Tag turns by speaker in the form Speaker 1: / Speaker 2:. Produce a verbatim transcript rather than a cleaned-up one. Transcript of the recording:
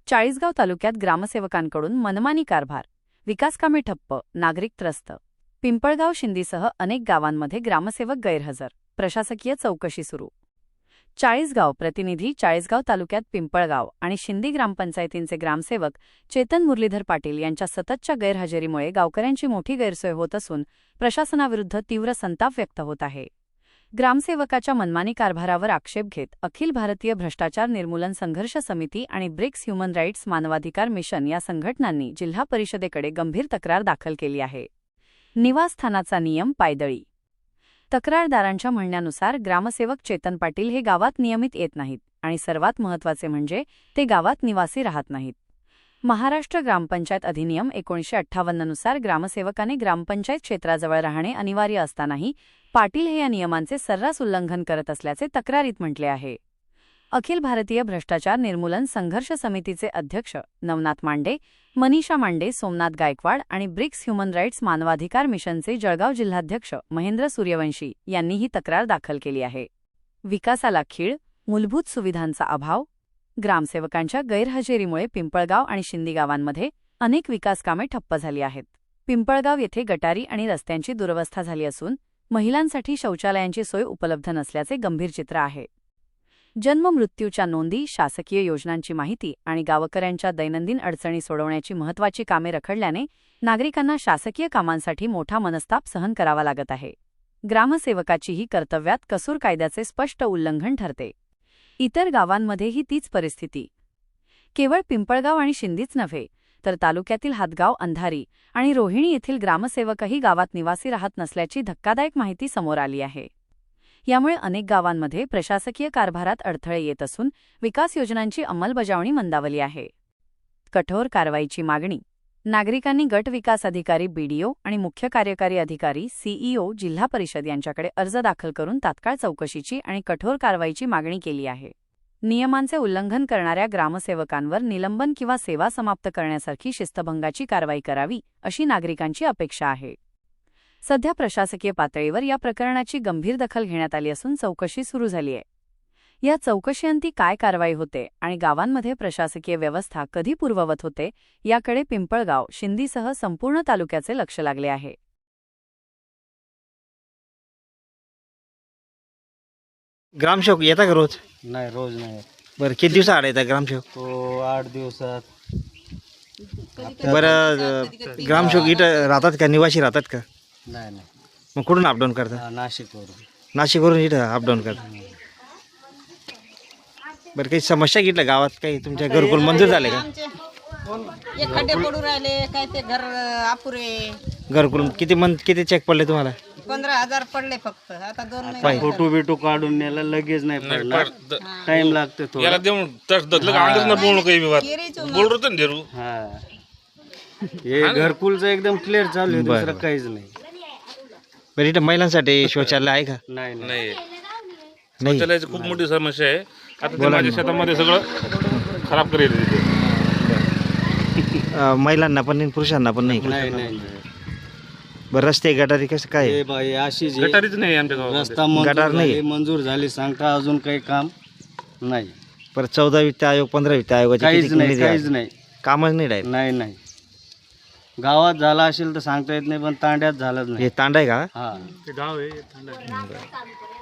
Speaker 1: चाळीसगाव तालुक्यात ग्रामसेवकांकडून मनमानी कारभार, विकासकामे ठप्प, नागरिक त्रस्त. पिंपळगाव शिंदीसह अनेक गावांमध्ये ग्रामसेवक गैरहजर, प्रशासकीय चौकशी सुरू. चाळीसगाव प्रतिनिधी चाळीसगाव तालुक्यात पिंपळगाव आणि शिंदी ग्रामपंचायतींचे ग्रामसेवक चेतन मुरलीधर पाटील यांच्या सततच्या गैरहजेरीमुळे गावकऱ्यांची मोठी गैरसोय होत असून प्रशासनाविरुद्ध तीव्र संताप व्यक्त होत आहे. ग्रामसेवकाच्या मनमानी कारभारावर आक्षेप घेत अखिल भारतीय भ्रष्टाचार निर्मूलन संघर्ष समिती आणि ब्रिक्स ह्युमन राईट्स मानवाधिकार मिशन या संघटनांनी जिल्हा परिषदेकडे गंभीर तक्रार दाखल केली आहे. निवासस्थानाचा नियम पायदळी. तक्रारदारांच्या म्हणण्यानुसार ग्रामसेवक चेतन पाटील हे गावात नियमित येत नाहीत आणि सर्वात महत्त्वाचे म्हणजे ते गावात निवासी राहत नाहीत. महाराष्ट्र ग्रामपंचायत अधिनियम एकोणीसशे अठ्ठावन्ननुसार ग्रामसेवकाने ग्रामपंचायत क्षेत्राजवळ राहणे अनिवार्य असतानाही पाटील हे या नियमांचे सर्रास उल्लंघन करत असल्याचे तक्रारीत म्हटले आहे. अखिल भारतीय भ्रष्टाचार निर्मूलन संघर्ष समितीचे अध्यक्ष नवनाथ मांडे, मनीषा मांडे, सोमनाथ गायकवाड आणि ब्रिक्स ह्युमन राईट्स मानवाधिकार मिशनचे जळगाव जिल्हाध्यक्ष महेंद्र सूर्यवंशी यांनी ही तक्रार दाखल केली आहे. विकासाला खीळ, मूलभूत सुविधांचा अभाव. ग्रामसेवकांच्या गैरहजेरीमुळे पिंपळगाव आणि शिंदी गावांमध्ये अनेक विकासकामे ठप्प झाली आहेत. पिंपळगाव येथे गटारी आणि रस्त्यांची दुरवस्था झाली असून महिलांसाठी शौचालयांची सोय उपलब्ध नसल्याचे गंभीर चित्र आहे. जन्म-मृत्यूच्या नोंदी, शासकीय योजनांची माहिती आणि गावकऱ्यांच्या दैनंदिन अडचणी सोडवण्याची महत्त्वाची कामे रखडल्याने नागरिकांना शासकीय कामांसाठी मोठा मनस्ताप सहन करावा लागत आहे. ग्रामसेवकाचीही कर्तव्यात कसूर कायद्याचे स्पष्ट उल्लंघन ठरते. इतर गावांमध्येही तीच परिस्थिती. केवळ पिंपळगाव आणि शिंदीच नव्हे तर तालुक्यातील हातगाव, अंधारी आणि रोहिणी येथील ग्रामसेवकही गावात निवासी राहत नसल्याची धक्कादायक माहिती समोर आली आहे. यामुळे अनेक गावांमध्ये प्रशासकीय कारभारात अडथळे येत असून विकास योजनांची अंमलबजावणी मंदावली आहे. कठोर कारवाईची मागणी. नागरिकांनी गट विकास अधिकारी, बीडीओ आणि मुख्य कार्यकारी अधिकारी सीईओ, जिल्हा परिषद यांच्याकडे अर्ज दाखल करून तात्काळ चौकशीची आणि कठोर कारवाईची मागणी केली आहे. नियमांचे उल्लंघन करणाऱ्या ग्रामसेवकांवर निलंबन किंवा सेवा समाप्त करण्यासारखी शिस्तभंगाची कारवाई करावी, अशी नागरिकांची अपेक्षा आहे. सध्या प्रशासकीय पातळीवर या प्रकरणाची गंभीर दखल घेण्यात आली असून चौकशी सुरू झाली आहे. या चौकशीअंती काय कारवाई होते आणि गावांमध्ये प्रशासकीय व्यवस्था कधी पूर्ववत होते याकडे पिंपळगाव, शिंदीसह संपूर्ण तालुक्याचे लक्ष लागले आहे.
Speaker 2: ग्रामसेवक येता का रोज?
Speaker 3: नाही, रोज नाही.
Speaker 2: बरं, किती दिवस आड येतात ग्रामसेवक?
Speaker 3: तो आठ दिवसात.
Speaker 2: बरं, ग्रामसेवक इथं राहतात का, निवासी राहतात का?
Speaker 3: नाही नाही,
Speaker 2: मग कुठून अपडाऊन करतात?
Speaker 3: हा, नाशिकवरून.
Speaker 2: नाशिकवरून इथं अपडाऊन करतात. बरं, काही समस्या घेतल्या गावात? काही तुमच्या घरकुल मंजूर झाले का?
Speaker 4: एक खड्डे पडून राहिले, काय ते घर अपुरे.
Speaker 2: घरकुल किती मन किती चेक पडले तुम्हाला?
Speaker 4: पंधरा हजार पडले फक्त. आता दोन महिने
Speaker 2: पाय.
Speaker 3: फोटो बिटो काढून न्यायला लगेच नाही पडणार, टाइम लागतो थोडा.
Speaker 5: याला देऊन तस दतलं का अंडच ना बोलणं काही विवाद
Speaker 4: केरीचं
Speaker 5: बोल होतं ना देरू.
Speaker 3: हा, हे घरकुलचं एकदम क्लिअर चालू आहे, दुसरं काहीच नाही.
Speaker 2: बरं, इथं महिलांसाठी शौचालय आहे का?
Speaker 3: नाही नाही.
Speaker 5: नाही,
Speaker 2: नाही.
Speaker 5: शौचालयाची खूप मोठी समस्या आहे. आता ते माझ्या शेतामध्ये सगळं खराब करेल तिथे.
Speaker 2: अं, महिलांना पण नाही, पुरुषांना पण नाही का?
Speaker 3: नाही नाही.
Speaker 2: बरं, रस्ते गटारी कसं काय?
Speaker 3: हे बाई अशीच आहे.
Speaker 5: गटारीच नाही आमच्या गावात.
Speaker 3: रस्ता मंजूर
Speaker 2: गटार नाही.
Speaker 3: झाली, मंजूर झाली सांगता, अजून काही काम नाही.
Speaker 2: बरं, चौदा वित्त आयोग, पंधरा वित्त आयोगाचे
Speaker 3: काहीच
Speaker 2: किती
Speaker 3: नाही,
Speaker 2: निधी
Speaker 3: काहीच
Speaker 2: आहे?
Speaker 3: नाही.
Speaker 2: कामच नाही डायरेक्ट.
Speaker 3: नाही नाही, गावात झाला असेल तर सांगता येत नाही, पण तांड्यात झालंच नाही.
Speaker 2: हे तांडा आहे का?
Speaker 3: हा,
Speaker 5: ते गाव आहे थंड आहे.